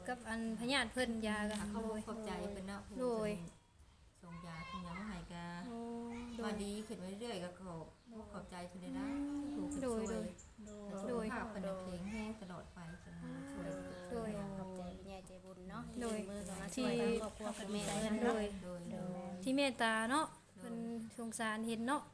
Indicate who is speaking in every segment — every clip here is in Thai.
Speaker 1: กับอันพญาติเพิ่นยาก็
Speaker 2: เขา
Speaker 1: โดย
Speaker 2: ขอบใจเพิ่นเนาะ
Speaker 1: โดย
Speaker 2: ส่งยาส่งยามาให้กา
Speaker 1: โอ้โด
Speaker 2: ว่าย ดีขึ้นไปเรื่อยๆก็ขอบใจเพิ่นเลยนะถูก
Speaker 1: โด
Speaker 2: ช่วย
Speaker 1: โดย
Speaker 2: โดยภาพเพิ่นเพลงแห้งตลอดไปจนช่วย
Speaker 1: โดย
Speaker 3: ขอบใจคุณยายใจบุญเนาะ
Speaker 1: โดย
Speaker 3: มือกับมาช่วยทางครอบครัวคุณแม่เพิ่น
Speaker 1: โด
Speaker 3: เนาะ
Speaker 1: ย
Speaker 2: โดย
Speaker 3: โดย
Speaker 1: ที่เมตตาเนาะเพิ่นสงสารเห็นเนาะ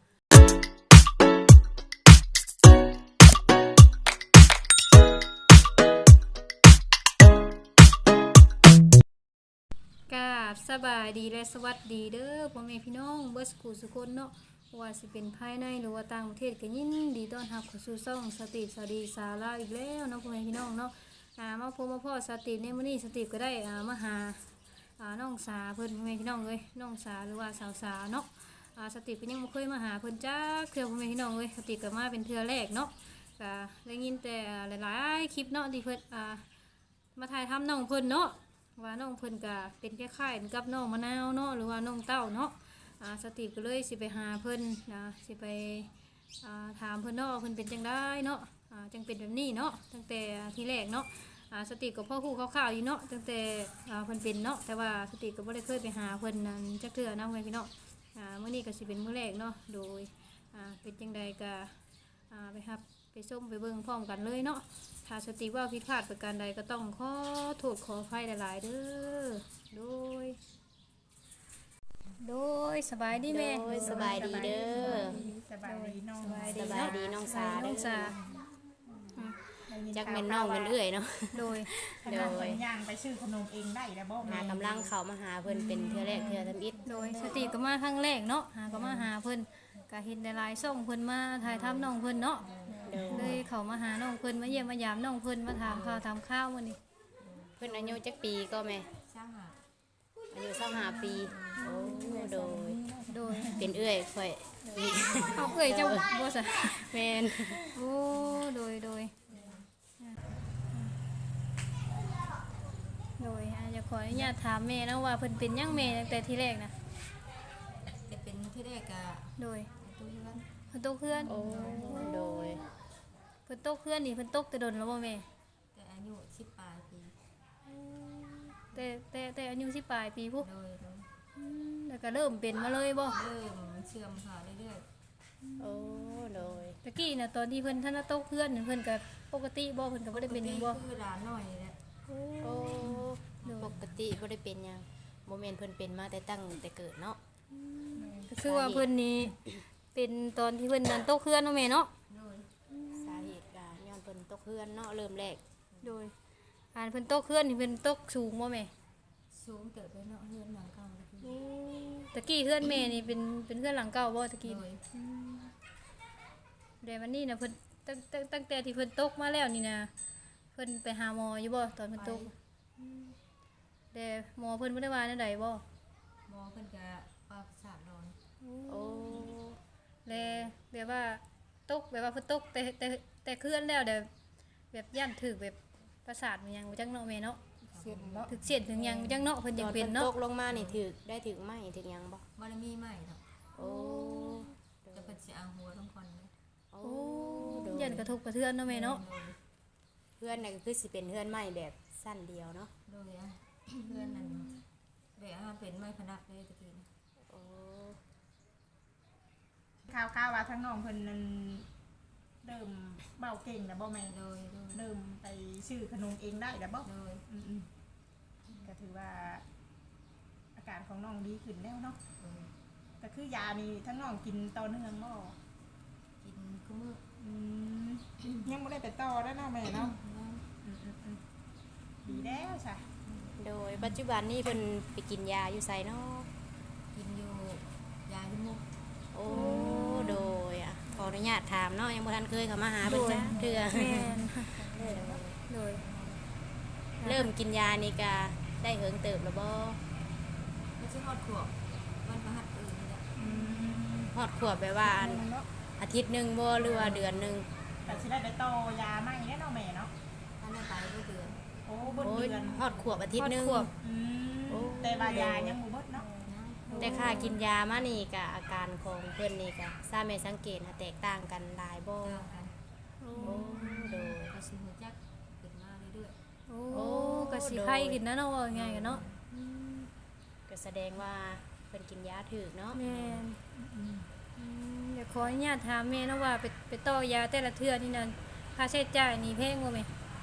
Speaker 1: กราบสบายดีและสวัสดีเด้อพ่อแม่พี่น้องเบิดสุขุสุคนเนาะว่าสิเป็นภายในหรือว่าต่างประเทศก็ยินดีต้อนรับเข้าสู่ช่องสติสวัสดีสาระอีกแล้วเนาะพ่อแม่พี่น้องเนาะมาพบมาพ่อสติในมื้อนี้สติก็ได้มาหาน้องสาเพิ่นพ่อแม่พี่น้องเอ้ยน้องสาหรือว่าสาวสาเนาะสติก็ยังบ่เคยมาหาเพิ่นจักเทื่อพ่อแม่พี่น้องเอ้ยสติก็มาเป็นเทื่อแรกเนาะก็ได้ยินแต่หลายๆคลิปเนาะที่เพิ่นมาถ่ายทำน้องเพิ่นเนาะว่าน้องเพิ่นก็เป็นคล้ายๆกับน้องมะนาวเนาะหรือว่าน้องเต้าเนาะสติก็เลยสิไปหาเพิ่นสิไปถามเพิ่นเนาะเพิ่นเป็นจังไดเนาะจังเป็นแบบนี้เนาะตั้งแต่ทีแรกเนาะสติก็พ่อฮู้คร่าวๆอยู่เนาะตั้งแต่เพิ่นเป็นเนาะแต่ว่าสติก็บ่ได้เคยไปหาเพิ่นนั่นจักเทื่อนะพี่น้องมื้อนี้ก็สิเป็นมื้อแรกเนาะโดยเป็นจังใดก็ไปรับไปชมไปเบิ่งพร้อมกันเลยเนาะถ้าสติว่าผิดพลาดประการใดก็ต้องขอโทษขออภัยหลายๆเด้อโดยสบายดีแม่
Speaker 3: โดยสบายดีเด้อ
Speaker 4: สบายดีน้อง
Speaker 1: สบายดี
Speaker 3: สบายดีน้องสา
Speaker 1: น้
Speaker 3: เด้
Speaker 1: องสา
Speaker 3: จักแม่นน้องแม่นเอื้อยเนาะ
Speaker 1: โดย
Speaker 4: โดยย่างไปซื้อขนมเองได้แล้วบ่
Speaker 3: หากำลังเข้ามาหาเพิ่นเป็นเทื่อแรกเทื่อทำอิฐ
Speaker 1: โดยสติก็มาครั้งแรกเนาะก็มาหาเพิ่นก็เห็นหลายๆส่งเพิ่นมาถ่ายทำน้องเพิ่นเนาะ
Speaker 3: โดย
Speaker 1: เลยเขามาหาน้องเพิ่นมาเยี่ยมมายามน้องเพิ่นมาถามข่าวถามข้าวมื้อนี้
Speaker 3: เพิ่นอายุจักปีก็แม่
Speaker 2: สร้างหา
Speaker 3: อายุ25ปีโอ้โดย
Speaker 1: โดย
Speaker 3: เป็นเอื้อยข่อย
Speaker 1: เอาเอ้ยเจ้าบ่ซะ
Speaker 3: แม่น
Speaker 1: โอ้โดยจะขออนุญาตถามแม่นะว่าเพิ่นเป็นหยังแม่ตั้งแต่ที่แรกนะ
Speaker 2: จะเป็นที่แรกก็
Speaker 1: โดย
Speaker 2: ตู้เรือน
Speaker 1: เพิ่นตกเพื่อน
Speaker 3: โอ้โดย
Speaker 1: เพิ่นตกเพื่อนนี่เพิ่นตกแต่ดนแล้วบ่แม่
Speaker 2: แต่อายุ10ปลายปี
Speaker 1: แต่อายุสิปลายปีพุ
Speaker 2: โดย
Speaker 1: แล้วก็เริ่มเป็นมาเลยบ่
Speaker 2: เริ่มเชื่อมค่ะเรื่อย
Speaker 3: โอ้โดย
Speaker 1: ตะกี้น่ะตอนที่เพิ่นท่านตกเพื่อนเพิ่นก็ปกติบ่เพิ่นก็บ่ได้เป็นหยังบ่
Speaker 2: คือร้านหน่อยแหละ
Speaker 3: โอ้ปกติบ่ได้เป็นหยังบ่แม่นเพิ่นเป็นมาแต่ตั้งแต่เกิดเนาะ
Speaker 1: ก็คือว่าเพิ่นนี่เป็นตอนที่เพิ่นนั้นตกเพื่อนเนาะแม่เนาะ
Speaker 2: โดย
Speaker 3: สาเหตุก็ย้อนเพิ่นตกเฮือนเนาะเริ่มแรก
Speaker 1: โดยเพิ่นตกเพื่อนนี่เพิ่นตกสูงบ่แม่
Speaker 2: สูงเกิดไปเนาะเฮือนหลังเก่าเลยคือ
Speaker 1: ตะกี้เพื่อนแม่นี่เป็นเพื่อนหลังเก่าบ่ตะกี้
Speaker 2: โดย
Speaker 1: แต่วันนี้นะเพิ่นตั้งแต่ที่เพิ่นตกมาแล้วนี่นะเพิ่นไปหาหมออยู่บ่ตอนเพิ่นตกแต่หมอเพิ่นบ่ได้ว่าแนวใดบ่
Speaker 2: หมอเพิ่นก็ปากสาดนอน
Speaker 3: โอ้
Speaker 1: และแบบว่าตกแบบว่าเพิ่นตกแต่เคลื่อนแล้วแบบย่านถึกแบบประสาทมันยังบ่จังเนาะแม่เนาะ
Speaker 4: เสียนเนาะ
Speaker 1: ถึกเสียดถึงยังบ่จังเนาะเพิ่น
Speaker 3: ต
Speaker 1: ยั
Speaker 3: อง น
Speaker 1: เป็
Speaker 3: เพิ่
Speaker 1: น
Speaker 3: น
Speaker 1: เนาะ
Speaker 3: ตกลงมานี่ถึกไหมถึกหยังบ่
Speaker 2: บ่ได้มีใหม่เนาะ
Speaker 3: โอ้
Speaker 2: จะเพิ่นสิเอาหัวทั้งคนเลย
Speaker 3: โอ้
Speaker 1: โอ้
Speaker 3: โดย
Speaker 1: ยันกระทบกระเทือนเนาะแม่เนาะ
Speaker 3: เพื่อนน่ะก็คือสิเป็นเพื่อนใหม่แบบสั้นเดียวเนาะ
Speaker 2: โดยเพื่อนนั่นแบบเป็นไม้พนักเลยตะกี้
Speaker 3: โอ้
Speaker 4: ข่าวว่าทั้งน้องเพิ่นนั้นเริ่มเบาเก่งแล้วบ่แม่
Speaker 2: โดย
Speaker 4: เริ่มไปซื้อขนมเองได้แล้วบ่
Speaker 2: โดย
Speaker 4: อืมๆก็ถือว่าอาการของน้องดีขึ้นแล้วเนาะก็คือยานี่ทั้งน้องกินต่อเนื่องบ่
Speaker 2: กินก็มื้อ
Speaker 4: อืมยังบ่ได้ไปต่อแล้วเนาะแม่เนาะอืมดีแล้วจ้ะ
Speaker 3: โดยปัจจุบันนี้เพิ่นไปกินยาอยู่ไสเนาะ
Speaker 2: กินอยู่ยาที่มุก
Speaker 3: โอ้โดยขออนุญาตถามเนาะยังบ่ทันเคยเข้ามาหาเพิ่นจ้ะเทื่อ
Speaker 1: แม่นโดย
Speaker 3: เริ่มกินยานี่ก็ได้เหิงเติบแล้วบ่
Speaker 2: ไม่ใช่ฮอดขวบวันพฤหัสนี่แหละ
Speaker 3: ฮอดขวบแบบว่า
Speaker 4: เนาะ
Speaker 3: อาทิตย์หนึงบ่หรือว่าเดือนหนึง
Speaker 4: ก็สิได้ไปต่อยาใหม่แน่เนาะแม่เนาะ
Speaker 2: ท่านได้ไปก็เดือน
Speaker 4: โอ้เบิด
Speaker 3: โอ้ย
Speaker 4: เดือน
Speaker 3: ฮอดขวบอาทิตย์หนึง
Speaker 1: ขวบ
Speaker 4: อืมแต่ว่ายายังบ่เบิดเนาะ
Speaker 3: แต่ค่ากินยามานี่ก็อาการของเพิ่นนี่ก็ทราบแม่สังเกตแตกต่างกันหลายบ่
Speaker 2: เจ้ากัน
Speaker 3: โอ้โดย
Speaker 2: ก็สิหัวจักขึ้นมาเรื่อย
Speaker 1: โอ้
Speaker 3: โอ้
Speaker 1: ก็สิไข้ขึ้นนะเนาะว่าง่ายกันเนาะ
Speaker 3: ก็แสดงว่าเพิ่นกินยาถูกเนาะ
Speaker 1: แม่นเดี๋ยวขออนุญาตถามแม่เนาะว่าไปต่อยาแต่ละเทื่อนี่นั่นค่าใช้จ่ายนี่แพงบ่แม่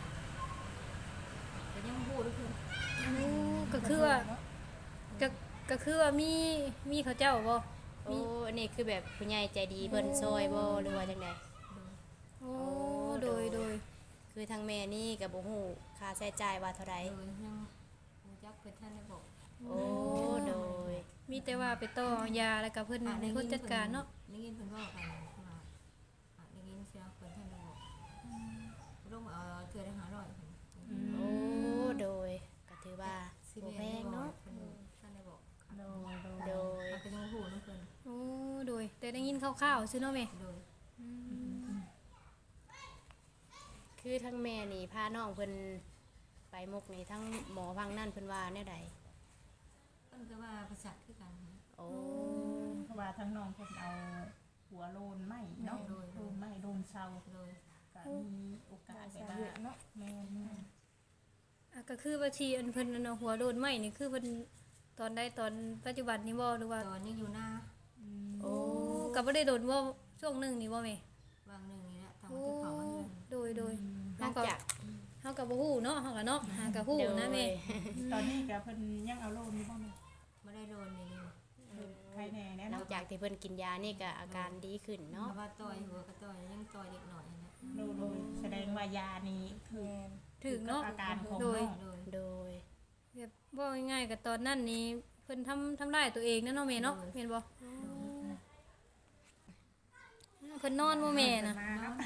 Speaker 2: แต่ยังพูดด้วยคือ
Speaker 1: ก็คือว่าก็คือว่ามีเขาเจ้าบ่
Speaker 3: โอ้อันนี้คือแบบผู้ใหญ่ใจดีเพิ่นซอยบ่หรือว่าจังได
Speaker 1: โอ้โดย
Speaker 3: คือทางแม่นี่ก็บ่ฮู้ค่าใช้จ่ายว่าเท่าใด
Speaker 2: โดยยังรู้จักเพิ่นท่านได้บอก
Speaker 3: โอ้โดย
Speaker 1: มีแต่ว่าไปต่อยาแล้วก็เพิ่นเป็นคนจัดการเนาะ
Speaker 2: ได้ยินเพิ่นว่ากันว่าได้ยินเสียงเพิ่นท่านได้บอกลงเอาเทื่อได้500
Speaker 3: โอ้โดยก็ถือว่าบ่แพงเนาะ
Speaker 2: ท่านได้บอก
Speaker 4: โดย
Speaker 3: โดย
Speaker 2: มันก็ยังพูดน้ำเพิ่น
Speaker 1: โอ้โดยแต่ได้ยินคร่าวๆซื่อเนาะแม่
Speaker 2: โดย
Speaker 3: คือทั้งแม่นี่พาน้องเพิ่นไปมุกนี่ทั้งหมอพังนั่นเพิ่นว่าแนวใด
Speaker 2: เพิ่นก็ว่าประสาทคือกัน
Speaker 3: โอ้
Speaker 4: เพราะว่าทั้งน้องเพิ่นเอาหัวโลนไหมเนาะโลนไหมโลนเซา
Speaker 2: โดย
Speaker 4: ก็มีโอกาสไปบ้างเนาะแม่น
Speaker 1: อ่ะก็คือว่าที่อันเพิ่นอันเอาหัวโดนไหม้นี่คือเพิ่นตอนใดตอนปัจจุบันนี่บ่หรือว่า
Speaker 2: ตอนยังอยู่หน้า
Speaker 1: โอ้ก็บ่ได้โดนบ่ช่วงหนึงนี่บ่แม่
Speaker 2: บางหนึ่งนี่แหละทาง
Speaker 1: โอ้
Speaker 2: ที่เขามาเฮือน
Speaker 1: โดย
Speaker 3: หลังจาก
Speaker 1: เฮาก็บ่ฮู้เนาะเฮาก็เนาะหาก็ฮู้นะแม่
Speaker 4: ตอนนี้ก็เพิ่นยังเอาโลนอยู่บ่แม่
Speaker 2: ไม่ได้โดนนี่นี่
Speaker 4: ใครแน่แน่
Speaker 3: หลั
Speaker 4: เนาะ
Speaker 3: งจากที่เพิ่นกินยานี่ก็อาการดีขึ้น
Speaker 2: เนาะ
Speaker 3: เนาะ
Speaker 2: ว่าต่อยหัวก็ต่อยยังต่อยเด็กหน่อยนะ
Speaker 4: โดยแสดงว่ายานี้คือ
Speaker 1: ถึงเนาะ
Speaker 4: อาการของ
Speaker 1: โดย
Speaker 4: น้อง
Speaker 2: โดย
Speaker 3: โดย
Speaker 1: แบบบ่ง่ายๆก็ตอนนั้นนี่เพิ่นทำร้ายตัวเองนะเนาะแม่เนาะแม่นบ่เพิ่นนอนบ่แม่น่ะ
Speaker 4: มาเนาะ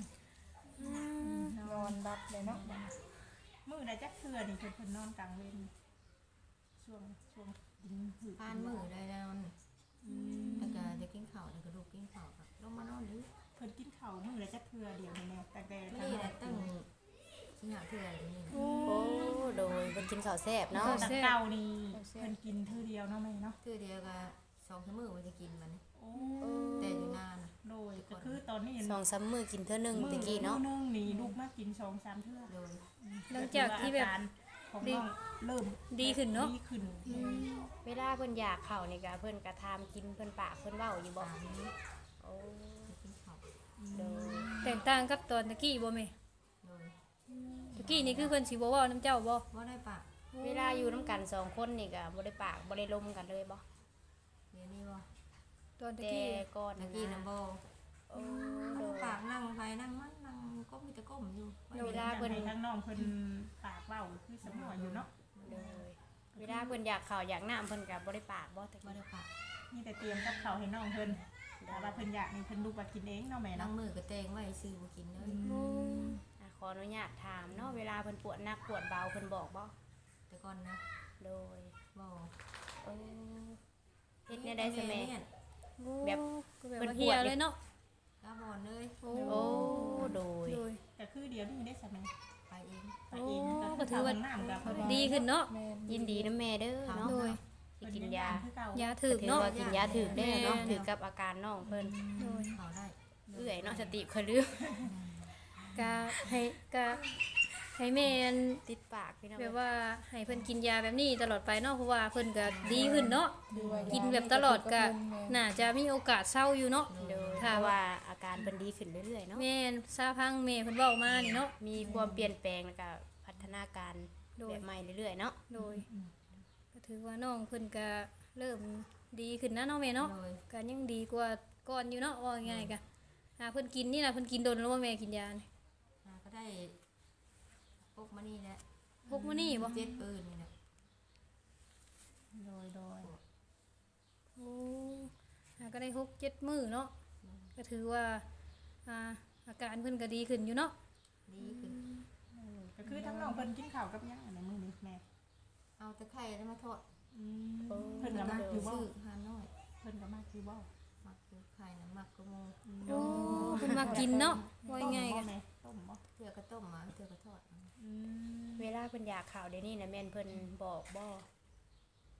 Speaker 4: นอนรับเลยเนาะมื้อใดจักเทื่อนี่เพิ่นนอนกลางเวรช่วงกินหืด
Speaker 2: ผ่านมือได้แล้วแล้วก็จะกินข้าวแล้วก็ลูกกินข้าวครับลงมานอนดิ
Speaker 4: เพิ่นกินข้าวมื้อใดจักเทื่อเดียวนี่แน่แต่ทาง
Speaker 2: นี่
Speaker 4: น้
Speaker 2: แห
Speaker 4: อ
Speaker 2: ละ
Speaker 4: ง
Speaker 2: ตั้งสิหาเทื่อนี่
Speaker 3: โอ้โดยเพิ่นกินข้าวแซ่บเนาะ
Speaker 4: แต่เก่านี่เพิ่นกินเทื่อเดียวเนาะแม่เนาะ
Speaker 2: เทื่อเดียวก็2 มื้อมันจะกินมัน
Speaker 4: โอ้
Speaker 2: แต่อยู่นาน
Speaker 4: โดยก็คือตอนนี้
Speaker 3: 2-3 มื้อกินเทื่อหนึงตะกี้เนาะ
Speaker 4: มื้อนึงนี่ลูกมากิน2-3เทื่อ
Speaker 2: โดย
Speaker 1: หลังจากที่แบบ
Speaker 4: ของน้องเริ่ม
Speaker 1: ดีขึ้นเนาะ
Speaker 4: ดีขึ้น
Speaker 3: เวลาเพิ่นอยากข้าวนี่ก็เพิ่นก็ทามกินเพิ่นปากเพิ่นเว้าอยู่บ่
Speaker 2: ตามนี้
Speaker 3: โอ้
Speaker 2: กินข้าว
Speaker 3: โดย
Speaker 1: แตกต่างกับตอนตะกี้บ่แม่
Speaker 2: โดย
Speaker 1: ตะกี้นี่คือเพิ่นสิบ่เว้านํเจ้าบ่
Speaker 2: ว่าได้ปะ
Speaker 3: เวลาอยู่นํกัน2คนนี่ก็บ่ได้ปากบ่ได้ลมกันเลยบ่
Speaker 2: เดี๋ยวนี้ว่า
Speaker 1: ตอนตะ
Speaker 3: แต่
Speaker 1: กี้
Speaker 3: ก่อน
Speaker 2: ตะกี้น้ำบ่
Speaker 3: โอ้โดย
Speaker 2: ปากนั่งไปนั่งมันนั่งก็มีแต่ก้มอยู่
Speaker 3: เวลาเพิ่น
Speaker 4: ให้ทั้งน้องเพิ่นปากเว้าคือสมออยู่เนาะ
Speaker 3: โดยเวลาเพิ่นอยากข้าวอยากน้ำเพิ่นก็บ่ได้ปากบ่แต่
Speaker 2: ว่า
Speaker 3: กี้
Speaker 2: ได้ปะ
Speaker 4: มีแต่เตรียมกับข้าวให้น้องเพิ่นแต่ว่าเพิ่นอยากนี่เพิ่นลูกว่ากินเองเนาะแม่
Speaker 2: นั่ง
Speaker 4: เนาะ
Speaker 2: มือก็แตงไว้ซื้อบ่กินเลย
Speaker 3: ขออนุญาตถามเนาะเวลาเพิ่นปวดหนักปวดเบาเพิ่นบอกบ่
Speaker 2: แต่ก่อนนะ
Speaker 3: โดย
Speaker 2: บ่
Speaker 3: เออเฮ็ดแนวใดซะแม่ แบบ
Speaker 1: ก็แบบ
Speaker 3: เพิ่น
Speaker 1: ว่า
Speaker 3: ป
Speaker 1: เฮี
Speaker 3: วย ด
Speaker 1: เลยเนาะ
Speaker 2: ตาบอดเลย
Speaker 1: โอ้
Speaker 3: โอ้โดย
Speaker 1: โดย
Speaker 4: แต่คือเดี๋ยวนี้ได้สมัย
Speaker 2: ไปเอง
Speaker 4: ไปเอง
Speaker 1: ก็ถือว่า
Speaker 4: น้ำกับ
Speaker 1: ดีขึ้นเนาะ
Speaker 3: ยินดีนะแม่เด้อเนาะ
Speaker 1: โดย
Speaker 3: สิกินยา
Speaker 1: ยาถึก
Speaker 3: ถือ
Speaker 1: เนาะ
Speaker 3: ว่ากินยาถือได้เนาะ
Speaker 1: แม่
Speaker 3: ถือกับอาการน้องเพิ่น
Speaker 1: โดย
Speaker 2: เขาได้
Speaker 3: เอื้อยเนาะสติค่อยลืม
Speaker 1: กะให้แม่อัน
Speaker 3: ติดปากพี่น้อง
Speaker 1: แบบว่าให้เพิ่นกินยาแบบนี้ตลอดไปเนาะเพราะว่าเพิ่นก็ดีขึ้นเนาะกินแบบตลอดก็น่าจะมีโอกาสเศร้าอยู่เนาะ
Speaker 3: โดยเพ
Speaker 1: ถ้า
Speaker 3: ราะ
Speaker 1: ว่า
Speaker 3: ว่าอาการเพิ่นดีขึ้นเรื่อยๆเนาะ
Speaker 1: แม่นซาพังแม่เพิ่นเว้ามานี่เนาะ
Speaker 3: มีความเปลี่ยนแปลงแล้วก็พัฒนาการ
Speaker 1: โดย
Speaker 3: แบบใหม่เรื่อยๆเนาะ
Speaker 1: โดยก็ถือว่าน้องเพิ่นก็เริ่มดีขึ้นนะเนาะแม่เนาะ
Speaker 2: โดย
Speaker 1: ก็ยังดีกว่าก่อนอยู่เนาะว่าง่ายๆก็เพิ่นกินนี่น่ะเพิ่นกินโดนแล้วว่าแม่กินยานี่
Speaker 2: ก็ได้พกมานี่แหละ
Speaker 1: พกมานี่บ่
Speaker 2: เจ็ดปืนนี่แหละ
Speaker 4: โดย
Speaker 1: โอ้ก็ได้6-7มื้อเนาะก็ถือว่าอาการเพิ่นก็ดีขึ้นอยู่เนาะ
Speaker 2: ดีขึ้น
Speaker 4: ก็คือทั้งน้องเพิ่นกินข้าวกับหยังอันในมื้อนี้แม่
Speaker 2: เอาตะไคร้แล้วมาทอด
Speaker 4: เพิ่นก็มากอยู่บ่
Speaker 2: ซื้อหาน้อย
Speaker 4: เพิ่นก็มากอยู่บ่
Speaker 2: มักคือไข่นะมักกระโม
Speaker 1: โอ้เพิ่นมากินเนาะว่าง่ายๆก็
Speaker 4: แม่ต้มบ่
Speaker 2: เทื่อก็ต้มมาเทื่อก็ทอดมา
Speaker 3: เวลาเพิ่นอยากข่าวเดี๋ยวนี้นะแม่นเพิ่นบอกบ่
Speaker 2: ม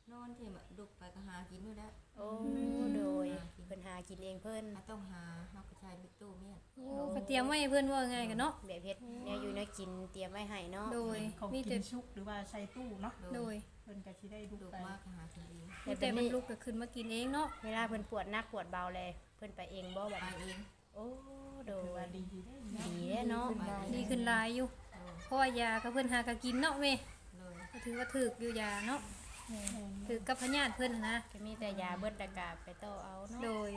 Speaker 2: นอนที่มาดุกไปก็หากินด้วยแล้ว
Speaker 3: โอ้โดยเพิ่นหากินเองเพิ่น
Speaker 2: ต้องหาเฮาก็ใช้บิ๊กตู้เมียน
Speaker 1: โอ้ก็เตรียมไว้ให้เพิ่นว่าไงกันเนาะ
Speaker 3: แบบเฮ็ดแนวอยู่แนวกินเตรียมไว้ให้เนาะ
Speaker 1: โดย
Speaker 4: ของ
Speaker 1: มี
Speaker 4: กิ
Speaker 1: แต่
Speaker 4: นชุกหรือว่าใช้ตู้เนาะ
Speaker 1: โดย
Speaker 4: เพิ่นก็สิได้ดู
Speaker 2: ดุก
Speaker 4: ไป
Speaker 2: มากก็หากินเอง
Speaker 1: มีแต่มันลุกก็ขึ้นมากินเองเนาะ
Speaker 3: เวลาเพิ่นปวดหนักปวดเบาเลยเพิ่นไปเองบ่แบบ
Speaker 2: ไป
Speaker 3: นี้
Speaker 2: เอง
Speaker 3: โอ้โด
Speaker 4: ถือว่าย ดีได้
Speaker 3: ดีเด้เนาะ
Speaker 1: ดีขึ้นหลายอยู่
Speaker 2: โดย
Speaker 1: เพราะว่ายาก็เพิ่นหาก็กินเนาะแม่
Speaker 2: โดย
Speaker 1: ก็ถือว่าถูกอยู่ยาเนาะถือกับพญาติเพิ่นน่ะนะ
Speaker 3: ก็มีแต่ยาเบิดตะกาไปต่อเอาเนาะ
Speaker 1: โดย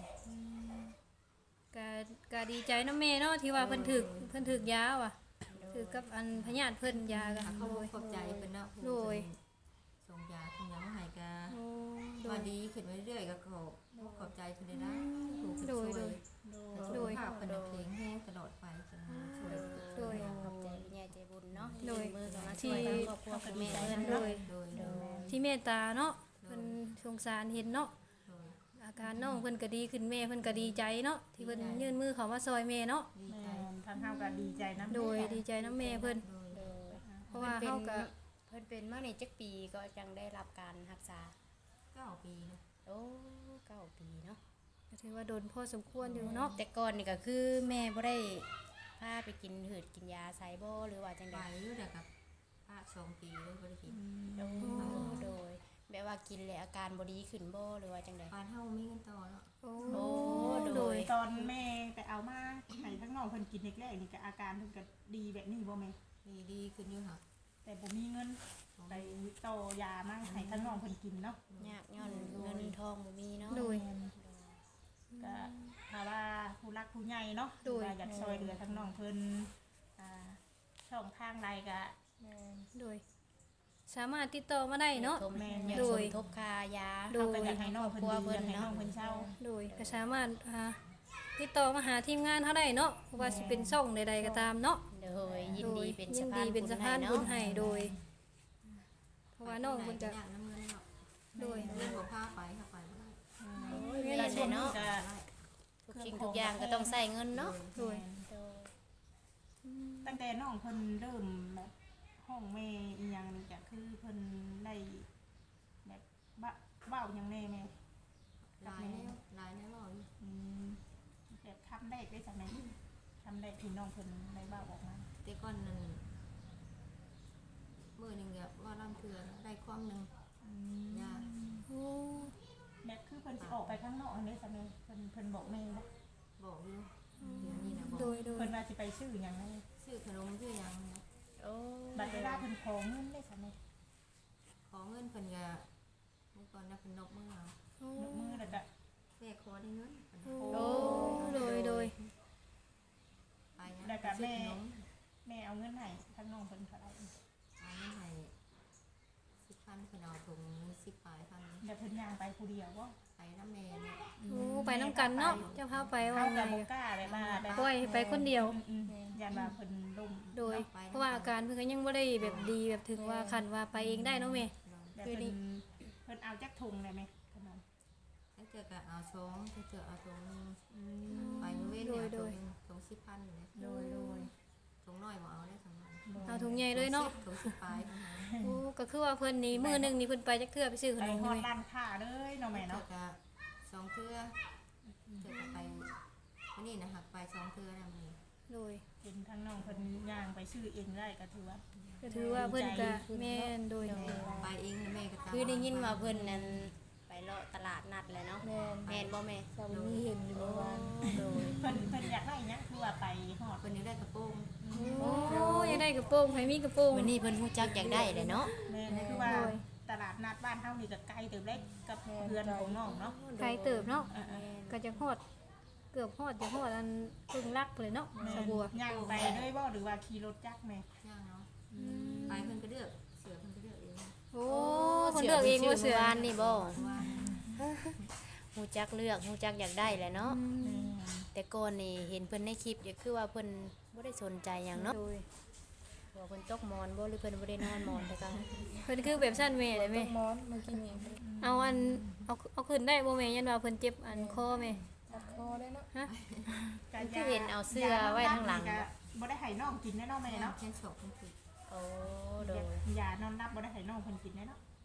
Speaker 1: ก็ดีใจเนาะแม่เนาะที่ว่าเพิ่นถึกยาว่ะถือกับอันพญาติเพิ่นยาก็
Speaker 2: เขา
Speaker 1: โดย
Speaker 2: ขอบใจเพิ่นเนาะ
Speaker 1: โดย
Speaker 2: ส่งยาส่งยามาให้กา
Speaker 1: โอ้โด
Speaker 2: ว่าย ดีขึ้นเรื่อยๆก็ขอบใจเพิ่นได้นะถูก
Speaker 1: โดย
Speaker 2: ช่วย
Speaker 1: โดย
Speaker 2: ภาพเพิ่นเพลงแห้งตลอดไปจนช่วย
Speaker 1: โดย
Speaker 3: ขอบใจพี่ใหญ่ใจบุญเนาะ
Speaker 1: โดย
Speaker 3: มือกันมาช่วยทางครอบครัวคุณแม่เพิ่น
Speaker 1: โด
Speaker 3: เนาะ
Speaker 1: ย
Speaker 2: โดย
Speaker 3: โดย
Speaker 1: ที่เมตตาเนาะเพิ่นสงสารเห็นเนาะ
Speaker 2: โดย
Speaker 1: อาการน้องเพิ่นก็ดีขึ้นแม่เพิ่นก็ดีใจเนาะที่เพิ่นยื่นมือเข้ามาซอยแม่เนาะ
Speaker 2: ดี
Speaker 4: แม่
Speaker 2: ใจ
Speaker 4: ทางเฮาก็ดีใจนะ
Speaker 1: โดยดีใจน้ำแม่เพิ่น
Speaker 2: โดย
Speaker 3: โดย
Speaker 1: เพราะว่าเฮาก็
Speaker 3: เพิ่นเป็นมาในจักปีก็จังได้รับการรักษา
Speaker 2: 9 ปีนะ
Speaker 3: โอ้9 ปีเนาะ
Speaker 1: ก็ถือว่าโดนพอสมควรอยู่เนาะ
Speaker 3: แต่ก่อนนี่ก็คือแม่บ่ได้พาไปกินหืดกินยาไซบ่หรือว่าจัง
Speaker 2: ไป
Speaker 3: ได๋
Speaker 2: อยู่แต่กับป้า2 ปีเลยบ่ได้กิน
Speaker 3: โอ้โดยแบบว่ากินแล้วอาการบ่ดีขึ้นบ่หรือว่าจังได๋
Speaker 2: ปานเฮามีเงินต่อเนาะ
Speaker 1: โอ้
Speaker 3: โอ้
Speaker 1: โดย
Speaker 4: ตอนแม่ไปเอามาให้ทั้งน้องเพิ่นกินแรกๆนี่ก็อาการเพิ่นก็ดีแบบนี้บ่แม่
Speaker 2: ดีขึ้นอยู่ค่ะ
Speaker 4: แต่บ่มีเงินไปต่อยามาให้ทั้งน้องเพิ่นกินเนาะ
Speaker 3: ยากย้อนเงินทองบ่มีเนาะ
Speaker 1: โดย
Speaker 4: ก็ถ้าว่าผู้รักผู้ใหญ่เนาะ
Speaker 1: โดย
Speaker 4: ว่าอยากช่วยเหลือทั้งน้องเพิ่นช่องทางใดก็
Speaker 1: โดย สามารถติดต่อมาได้เนาะ
Speaker 3: ทบ
Speaker 4: แม่
Speaker 3: อยาก
Speaker 1: โด
Speaker 3: ส
Speaker 1: ย
Speaker 3: มทบค่ายา
Speaker 1: โด
Speaker 4: เราก็อยากให้น้องเพิ่นดีอยากให้น้องเพิ่นเช่า
Speaker 1: โดยก็สามารถติดต่อมาหาทีมงานเฮาได้เนาะว่าสิเป็นช่องใดๆก็ตามเนาะ
Speaker 3: โดยยิน
Speaker 1: โด
Speaker 3: ดี
Speaker 1: ย
Speaker 3: เป็น
Speaker 1: ยิ
Speaker 3: สะ
Speaker 1: น
Speaker 3: พา
Speaker 1: ดี
Speaker 3: น
Speaker 1: เป็นสะพาน
Speaker 3: บุ
Speaker 1: บุ
Speaker 3: ญ
Speaker 1: ญ
Speaker 3: ให้
Speaker 1: ให้
Speaker 3: เนาะ
Speaker 1: โดย เพราะว่าน้องเพิ่นจะ
Speaker 2: ยากน้ำเงินเนาะ
Speaker 1: โดย
Speaker 2: เงินบ่พาไปค่ะไปบ่ได้
Speaker 3: เวลาไหนเนาะ
Speaker 4: ก็
Speaker 3: ทุกสิ่งทุกอย่างก็ต้องใช้เงินเนาะ
Speaker 1: โดย
Speaker 3: โดย
Speaker 4: ตั้งแต่น้องเพิ่นเริ่มแบบห้องแม่อีหยังนี่ก็คือเพิ่นได้แบบเว้าหยังแน่แม่
Speaker 2: หลายแน่บ่อยู่
Speaker 4: อืมแบบคำแรกได้จากไหนคำแรกที่น้องเพิ่นได้เว้าออกมา
Speaker 2: แต่ก่อนนั้นมื้อหนึงก็ว่าลำเทือได้ความหนึงยาก
Speaker 1: โอ้
Speaker 4: แบบคือเพิ่นสิออกไปข้างนอกอันนี้จากไหนเพิ่นบอกแม่บ่
Speaker 2: บอกอยู่เดี๋ยวนี้นะบอก
Speaker 1: โดยโดย
Speaker 4: เพิ่นว่าสิไปซื้อหยังไง
Speaker 2: ซื้อขนมซื้อหยังนะ
Speaker 3: โอ้
Speaker 4: บัดเวลาเพิ่นขอเงินได้จากไหน
Speaker 2: ขอเงินเพิ่นก็เมื่อก่อนนะเพิ่นนกมือเอา
Speaker 1: โอ้
Speaker 4: ยกมือแล้วก็
Speaker 2: แม่ขอได้เงิน
Speaker 1: โอ้โดยโดย
Speaker 2: ไปนะ
Speaker 4: แล้วก็
Speaker 2: ซื้อ
Speaker 4: แม่
Speaker 2: ขนม
Speaker 4: แม่เอาเงินให้ทั้งน้องเพิ่นเท่าไหร่
Speaker 2: เอาเงินให้10,000เพิ่นเอาถุง10ปลายพัน
Speaker 4: เดี๋ยวเพิ่นย่างไปผู้เดียวบ่
Speaker 2: ไปน้ำแม่เนี่ย
Speaker 1: โอ้ไปน้ำกันเนาะเจ้าพาไปว่า
Speaker 4: เฮา
Speaker 1: ไง
Speaker 4: ก็บ่กล้าแบบว่าแบบ
Speaker 1: ปล่อยไปคนเดียว
Speaker 4: อืมยันว่าเพิ่นล้ม
Speaker 1: โดย เพราะว่าอาการเพิ่นก็ยังบ่ได้แบบดีแบบถึงว่าคันว่าไปเองได้เนาะแม่
Speaker 4: แบบ
Speaker 1: คือนี่
Speaker 4: เพิ่นเอาจักถุงได้ไหมขนม
Speaker 2: ถ้าเจอก็เอาช้องถ้าเจอเอาถุงนึง
Speaker 4: อืม
Speaker 2: ไปเว้น
Speaker 1: โด
Speaker 2: เนี่ย
Speaker 1: ยโด
Speaker 2: ถุ
Speaker 1: ย
Speaker 2: งถุง10,000อยู่เลย
Speaker 4: โดยโดย
Speaker 2: ถุงน้อยบ่เอาได้ถุงน้อย
Speaker 1: เอาถุงใหญ่เลยเนาะ
Speaker 2: ถุง10ปลายเท่านั้น
Speaker 1: โอ้ก็คือว่าเพิ่นนี่มื้อหนึงนี่เพิ่นไปจักเทื่อไปซื้อข
Speaker 4: ไป
Speaker 1: นม
Speaker 4: ฮอด
Speaker 1: นี่แม่
Speaker 4: ร้านค้าเลยเนาะแม่
Speaker 2: เจอ
Speaker 4: เนาะ
Speaker 2: ก็2เทื่อเจอก็ไปวันนี้นะหักไป2เทื่อนะมื้อนี้
Speaker 1: โดย
Speaker 4: เป็นทั้งน้องเพิ่นย่างไปซื้อเองได้ก็ถือว่า
Speaker 1: ก็ถือว่าเพิ่นก็แม่นโดย
Speaker 2: ไปเองนะแม่ก็ตาม
Speaker 3: คือได้ยินว่าเพิ่นนั้นไปเลาะตลาดนัดแหละเนาะแม่นบ่แม่
Speaker 5: สามีเห็นอยู่เมื่อวาน
Speaker 3: โดย
Speaker 4: เพิ่นอยากได้หยังคือว่าไปฮอด
Speaker 2: เพิ่นยังได้กระโปรง
Speaker 1: โอ้ยังได้กระโปรงให้มีกระโปรง
Speaker 3: วันนี้เพิ่นฮู้จักอยากได้แหละเนาะ
Speaker 4: แม่นี่คือว่า
Speaker 1: โดย
Speaker 4: ตลาดนัดบ้านเฮานี่ก็ไกลเติบเล็กกับเรือนของน้องเนาะ
Speaker 1: ไกลเติบเนาะ
Speaker 4: เออ
Speaker 1: ก็จะฮอดเกือบฮอดจะฮอดอันครึ่งลักเลยเนาะ
Speaker 4: แม่
Speaker 1: สะบัว
Speaker 4: ย่างไปด้วยบ่หรือว่าขี่รถจักรแม่
Speaker 2: ย่างเนาะไปเพิ่นก็เลือกเสือเพิ่นก็เลือกเอง
Speaker 1: โอ้เพิ่นเลือกเองว่าเสือ
Speaker 3: วานนี่บ่
Speaker 2: ว่า
Speaker 3: ฮู้จักเลือกฮู้จักอยากได้แหละเนาะ
Speaker 1: อืม
Speaker 3: แต่ก่อนนี่เห็นเพิ่นในคลิปก็คือว่าเพิ่นบ่ได้สนใจหยังเนาะ
Speaker 1: โดย
Speaker 3: ว่าเพิ่นตกหมอนบ่หรือเพิ่นบ่ได้นอนหมอนแต่ก็
Speaker 1: เพิ่นคือแบบสั้นแม่เลย
Speaker 5: ต้
Speaker 1: แม่
Speaker 5: องมอนเมื่อกี้นี่
Speaker 1: เอาอันเอาขึ้นได้บ่แม่ยันว่าเพิ่นเจ็บอันคอแม่
Speaker 5: จับคอได้เนาะ
Speaker 1: ฮะ
Speaker 3: คือเห็นเอาเสื้อไว้ข้างหลัง
Speaker 4: ก็บ่ได้ให้น้องกินแน่เนาะแม่
Speaker 2: แม่
Speaker 4: เนาะ
Speaker 2: แค่ชอบเพิ่นคือ
Speaker 3: โอ้โดย
Speaker 4: ยานอนรับบ่ได้ให้น้องเพิ่นกินแน่เนาะ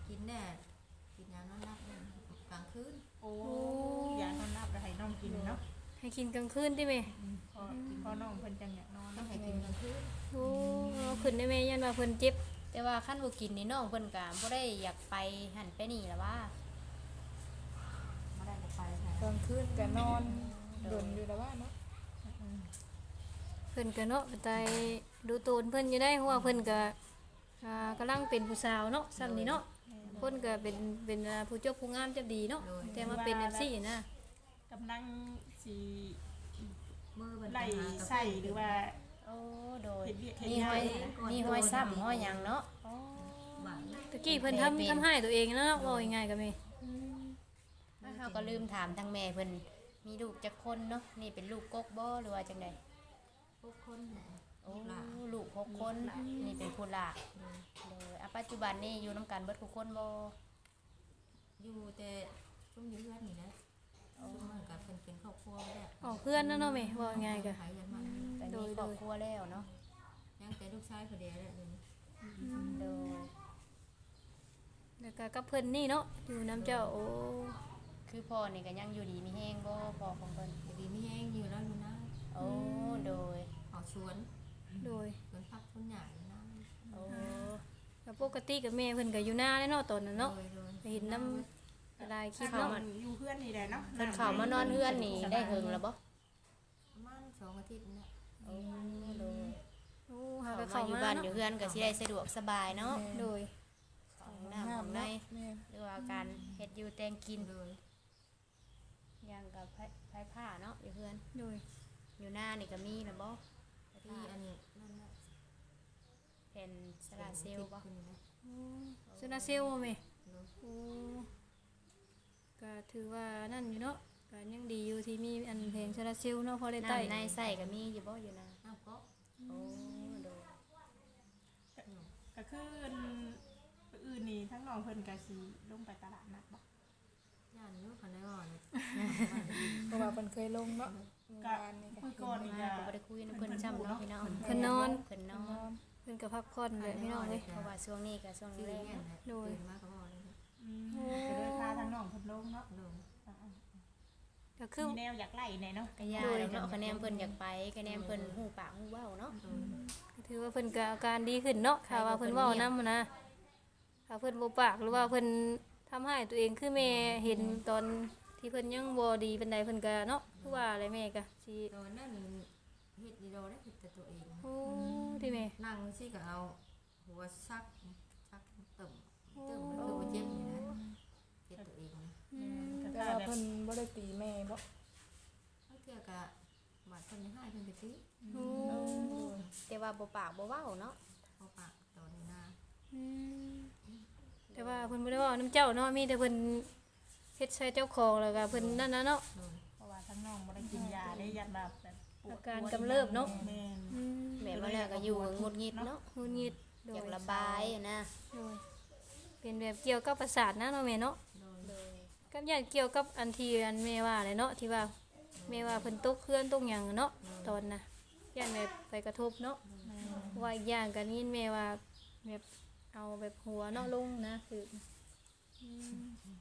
Speaker 2: กินแน่กินยานอนหลับเนี่ยกลางคืน
Speaker 4: โอ้ยานอนหลับแล้วให้น้องกินเนาะ
Speaker 1: ให้กินกลางคืนติแม่
Speaker 4: พอน้องเพิ่นจังอยากนอน
Speaker 2: ต้อ
Speaker 4: เนาะ
Speaker 2: งให้กินกลางคืน
Speaker 1: โอ้เอาขึ้นได้แม่ยันว่าเพิ่นเจ็บ
Speaker 3: แต่ว่าคันบ่กินนี่น้องเพิ่นก็บ่ได้อยากไปหั่นไปนี่ล่ะว่า
Speaker 2: ไม่ได้ก็ไปค่ะ
Speaker 5: กลางคืนก็นอนดนอยู่แล้วว่าเนาะ
Speaker 1: เพิ่นก็เนาะไปดูโตนเพิ่นอยู่ได้เพราะว่าเพิ่นก็กำลังเป็นผู้สาวเนาะซ้ำนี่เนาะเพิ่นก็เป็นผู้เจ้าผู้งามเจ้าดีเนาะแต่มาเป็นจังซี่นะ
Speaker 4: กำลังสิ
Speaker 2: มือมัน
Speaker 4: ไล่ใส่หรือว่า
Speaker 3: โอ้โดย
Speaker 4: เฮ็ดเวียกเฮ็ด
Speaker 3: มี
Speaker 4: งา
Speaker 3: ห้อน ยมีห้อยซ้ำห้อยหยังเนาะอ๋อ
Speaker 2: บ้าน
Speaker 1: ตะกี้เพิ่นทำให้ตัวเองนะเนาะว่าง่ายๆก็แม่
Speaker 3: ถ้าเฮาก็ลืมถามทางแม่เพิ่นมีลูกจักคนเนาะนี่เป็นลูกกกบ่หรือว่าจังได
Speaker 2: พวกคนเนี่ย
Speaker 3: โอ้ลูก6คนนี่เป็นผู้หลานโดยปัจจุบันนี่อยู่นํกันเบิดทุกคนบ่
Speaker 2: อยู่แต่ช่วงอยู่เพื่อนนี่นะช่วงมันกับเป็นครอบครัวแล้ว
Speaker 1: ออกเพื่อนนะเนาะแม่ว่าง่ายๆก็
Speaker 2: หายกันมา
Speaker 3: แต่มีครอบครัวแล้วเนาะ
Speaker 2: ยังแต่ลูกชายคนเดียวแหละเดี๋ยวนี้
Speaker 3: โดย
Speaker 1: แล้วก็กับเพิ่นนี่เนาะอยู่น้ำเจ้าโอ้
Speaker 3: คือพ่อนี่ก็ยังอยู่ดีมีแฮงบ่พ่อของเพิ่น
Speaker 2: เดี๋ยวนี้ไม่แห้งอยู่แล้วอยู่นะ
Speaker 3: โอ้โดย
Speaker 2: ออกสวน
Speaker 1: โดย
Speaker 2: สวนพักสวนใหญ่นะ
Speaker 3: โอ้
Speaker 1: ก็ปกติกับแม่เพิ่นก็อยู่หน้าเลยเนาะตอนนั้นเนาะ
Speaker 2: โดย
Speaker 1: ไปเห็นน้ำลายคลิป
Speaker 4: เข้า
Speaker 1: เนาะ
Speaker 4: มันอยู่เพื่อนนี่แหละเนาะ
Speaker 3: เพิ่นเข้ามานอนเฮือนนี่ได้เฮิงแล้วบ่
Speaker 2: ประมาณ2 อาทิตย์นี่แหละ
Speaker 3: โอ้โดย
Speaker 1: โอ้หา
Speaker 3: เข้า
Speaker 1: ก็
Speaker 3: มา
Speaker 1: เข้า
Speaker 3: อยู่บ้านอยู่
Speaker 1: มาเนาะ
Speaker 3: เฮือนก็สิได้สะดวกสบายเนาะ
Speaker 1: โดย
Speaker 3: ของน้ำของใน
Speaker 5: แม่
Speaker 3: หรือว่าการเฮ็ดอยู่แต่งกิน
Speaker 2: โดย
Speaker 3: อย่างกับไผผ้าเนาะอยู่เฮือน
Speaker 1: โดย
Speaker 3: อยู่หน้านี่ก็มีแล้วบ่ไผ
Speaker 2: ที่
Speaker 3: ผ้า
Speaker 2: อันนั่นแหละ
Speaker 3: เป็นสลาเซลล์บ่
Speaker 2: คนนี้นะ
Speaker 1: โอ้โซนาเซลบ่แม่
Speaker 2: โดย
Speaker 1: โอ้ก็ถือว่านั่นอยู่เนาะก็ยังดีอยู่ที่มีอันเพลงโซนาเซลเนาะพอได้ใต้
Speaker 3: น้ำในใส่ก็มีอยู่บ่อยู่นา
Speaker 2: น้ำก็
Speaker 3: โอ้โดย
Speaker 4: ก็คืออื่นนี่ทั้งน้องเพิ่นก็สิลงไปตลาดนัดบ่
Speaker 2: ย่านนู้นคนได้ว่าเนี่ย
Speaker 5: เพราะว่าเพิ่นเคยลงเนาะ
Speaker 4: ก็
Speaker 5: วานนี่ก็
Speaker 4: คุยก่อนนี่
Speaker 3: มา
Speaker 4: ก็
Speaker 3: ก็บ่ได้คุยนำเพิ่นซ้ำเนาะพี่น้อง
Speaker 1: เพิ่นนอน
Speaker 3: เพิ่นนอน
Speaker 1: เพิ่นก็พักผ่อนเลยพี่น้องเอ้ย
Speaker 3: เพราะว่าช่วงนี้ก็ช่วง
Speaker 2: ที่
Speaker 3: แร
Speaker 2: เรี
Speaker 3: ก
Speaker 2: ยนเนี่ยตื่นมาก็บอกเลยนะ
Speaker 4: ก็เลยพาทั้งน้องเพิ่นลงเนาะ
Speaker 2: โดย
Speaker 1: ก็คือ
Speaker 4: มีแนวอยากไล่แน่เนาะ
Speaker 3: ก็ยาแล้วเนาะคะแนนเพิ่นอยากไปคะแนนเพิ่นฮู้ปากฮู้เว้าเนาะ
Speaker 2: โดย
Speaker 1: ถือว่าเพิ่นก็อาการดีขึ้นเนาะถ้าว่าเพิ่นเว้านำนะถ้าเพิ่นบ่ปากหรือว่าเพิ่นทำให้ตัวเองคือแม่เห็นตอนที่เพิ่นยังบ่ดีปานใดเพิ่นก็เนาะคือว่าอะไรแม่ก็สิ
Speaker 2: โดยนั่นเฮ็ดดีโดได้เฮ็ดแต่ตัวเอง
Speaker 1: โอ้ที่แม่
Speaker 2: นั่งสิก็เอาหัวซักตึ่มมันคือว่าเจ็บนี่นะเจ็บตัวเองนะ
Speaker 5: แต่ว่าเพิ่นบ่ได้ตีแม่บ่
Speaker 2: ถ้าเกี่ยวกับบาดคนให้เพิ่นไปตี
Speaker 1: โอ้
Speaker 3: แต่ว่าบ่ปากบ่เว้าเนาะ
Speaker 2: เอาปากตอนนี้นะ
Speaker 1: อืมแต่ว่าเพิ่นบ่ได้เว้านํเจ้าเนาะมีแต่เพิ่นเฮ็ดใส่เจ้าของแล้วก็เพิ่นนั่นน่ะเนาะ
Speaker 2: โดย
Speaker 4: เพราะว่าทั้งน้องบ่ได้กินยาได้ยันแบบปวด
Speaker 1: อาการกำเริบเนาะ
Speaker 4: แม่น
Speaker 1: อืม
Speaker 3: แม่มาแล้วก็อยู่หงุดหงิดเนาะ
Speaker 1: หงุดหงิดโด
Speaker 3: อย ยากระบายอะนะ
Speaker 1: โดยเป็นแบบเกี่ยวกับประสาทนะเนาะแม่เนาะ
Speaker 2: โดย
Speaker 3: โดย
Speaker 1: กับอย่างเกี่ยวกับอันที่อันแม่ว่าเลยเนาะที่ว่าแม่ว่าเพิ่นตกเคลื่อนตกหยังเนาะตอนน่ะย่านแบบไปกระทบเนาะว่าอีกอย่างกันนี่แม่ว่าแบบเอาแบบหัวเนาะลงนะคืออืม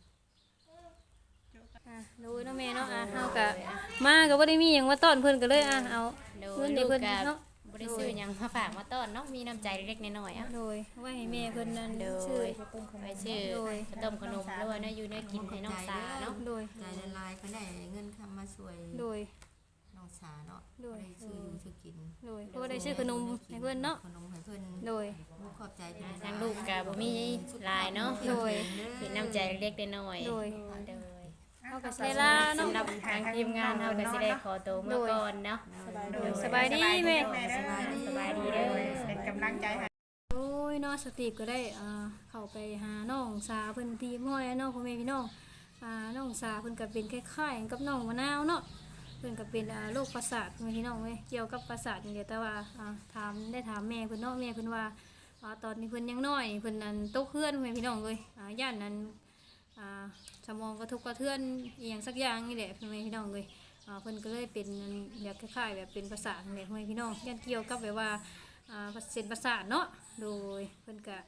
Speaker 1: อ่ะดูเนาะแม่เนาะอ่ะเฮาก็มาก็บ่ได้มีหยังมาต้อนเพิ่นก็เลยอ่ะเอา
Speaker 3: โด
Speaker 1: เงิ
Speaker 3: ย
Speaker 1: น
Speaker 3: ลู
Speaker 1: ให้
Speaker 3: ก
Speaker 1: เพิ่น
Speaker 3: ก็
Speaker 1: เนาะ
Speaker 3: บ่ได้ซื้อหยังมาฝากมาต้อนเนาะมีน้ำใจเล็กๆน้อยๆอ่ะ
Speaker 1: โดยไว้ให้แม่เพิ่นนั่น
Speaker 3: โด
Speaker 1: ชื่อย
Speaker 3: ไปซื้อข้าวต้มขนมด้วยนะอยู่ในกินให้น้องสาเนาะ
Speaker 1: โดย
Speaker 2: ใจละลายเขาได้เงินคำมาช่วย
Speaker 1: โดย
Speaker 2: น้องสาเนาะ
Speaker 1: โดย
Speaker 2: ได้ชื่ออยู่ชื่อกิน
Speaker 1: โดยเพราะว่าได้ชื่อขนมให้เพิ่นเนาะ
Speaker 2: ขนมให้เพิ่น
Speaker 1: โดย
Speaker 2: ขอบใจเพิ่น
Speaker 3: ทางลูกก็บ่มีหลายเนาะ
Speaker 1: โดย
Speaker 3: เป็นน้ำใจเล็กๆน้อยๆ
Speaker 1: โดย
Speaker 3: โดย
Speaker 1: เอาก็เวลาเนาะ
Speaker 3: สำหรับทางทีมงานเราก็สิได้ขอตัวเมื่อก่อนเนาะ
Speaker 1: สบายดีแม่
Speaker 3: สบายดีเด้อ
Speaker 4: เป็นกำลังใจให้
Speaker 1: โอ้ยเนาะสติปก็ได้เข้าไปหาน้องสาเพิ่นที่ห้อยเนาะพ่อแม่พี่น้องน้องสาเพิ่นก็เป็นคล้ายๆกับน้องมะนาวเนาะเพิ่นก็เป็นโรคประสาทพ่อแม่พี่น้องเว้ยเกี่ยวกับประสาทอย่างเดียวแต่ว่าถามแม่เพิ่นเนาะแม่เพิ่นว่าตอนนี้เพิ่นยังน้อยเพิ่นนั้นตกเคลื่อนพ่อแม่พี่น้องเว้ยย่านนั้นสมองกระทบกระเทือนอีหยังสักอย่างนี่แหละพ่อแม่พี่น้องเว้ยเพิ่นก็เลยเป็นแบบคล้ายๆแบบเป็นประสาทนี่แหละพ่อแม่พี่น้องย่านเกี่ยวกับแบบว่าเส้นประสาทเนาะโดยเพิ่นก็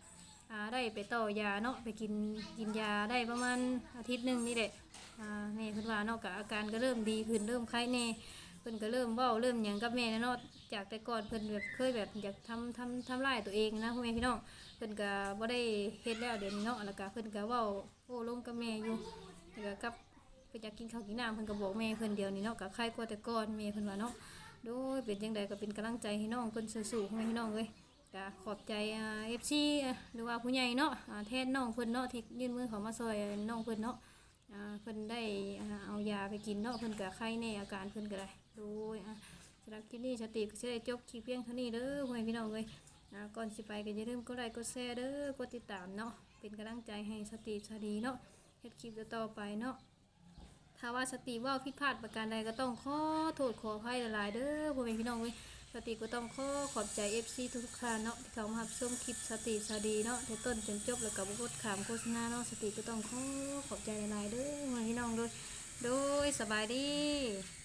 Speaker 1: ได้ไปต่อยาเนาะไปกินยาได้ประมาณอาทิตย์หนึงนี่แหละแม่เพิ่นว่าเนาะก็อาการก็เริ่มดีขึ้นเริ่มคลายแน่เพิ่นก็เริ่มเว้าเริ่มหยังกับแม่แล้วเนาะจากแต่ก่อนเพิ่นแบบเคยแบบอยากทำร้ายตัวเองนะพ่อแม่พี่น้องเพิ่นก็บ่ได้เฮ็ดแล้วเดี๋ยวนี้เนาะแล้วก็เพิ่นก็เว้าโอ้ลมกับแม่อยู่แล้วก็กับเพิ่นอยากกินข้าวกินน้ำเพิ่นก็บอกแม่เพิ่นเดียวนี้เนาะก็คลายกว่าแต่ก่อนแม่เพิ่นว่าเนาะโดยเป็นจังใดก็เป็นกำลังใจให้น้องเพิ่นสู้ๆพ่อแม่พี่น้องเอ้ยก็ขอบใจFC หรือว่าผู้ใหญ่เนาะแทนน้องเพิ่นเนาะที่ยื่นมือเข้ามาช่วยน้องเพิ่นเนาะเพิ่นได้เอายาไปกินเนาะเพิ่นก็ไข้แน่อาการเพิ่นก็ได้โดยสำหรับคลิปนี้สติก็สิได้จบคลิปเพียงเท่านี้เด้อพ่อแม่พี่น้องเอ้ยก่อนสิไปก็อย่าลืมกดไลค์กดแชร์เด้อกดติดตามเนาะเป็นกำลังใจให้สติสดีเนาะเฮ็ดคลิปต่อๆไปเนาะถ้าว่าสติว่าผิดพลาดประการใดก็ต้องขอโทษขออภัยหลายๆเด้อพ่อแม่พี่น้องเอ้ยสติก็ต้องขอบใจ FC ทุกๆท่านเนาะที่เข้ามารับชมคลิปสติสดีเนาะแต่ต้นจนจบแล้วก็บ่กดขามโฆษณาเนาะสติก็ต้องขอบใจหลายๆเด้อพ่อแม่พี่น้องโดยสบายดี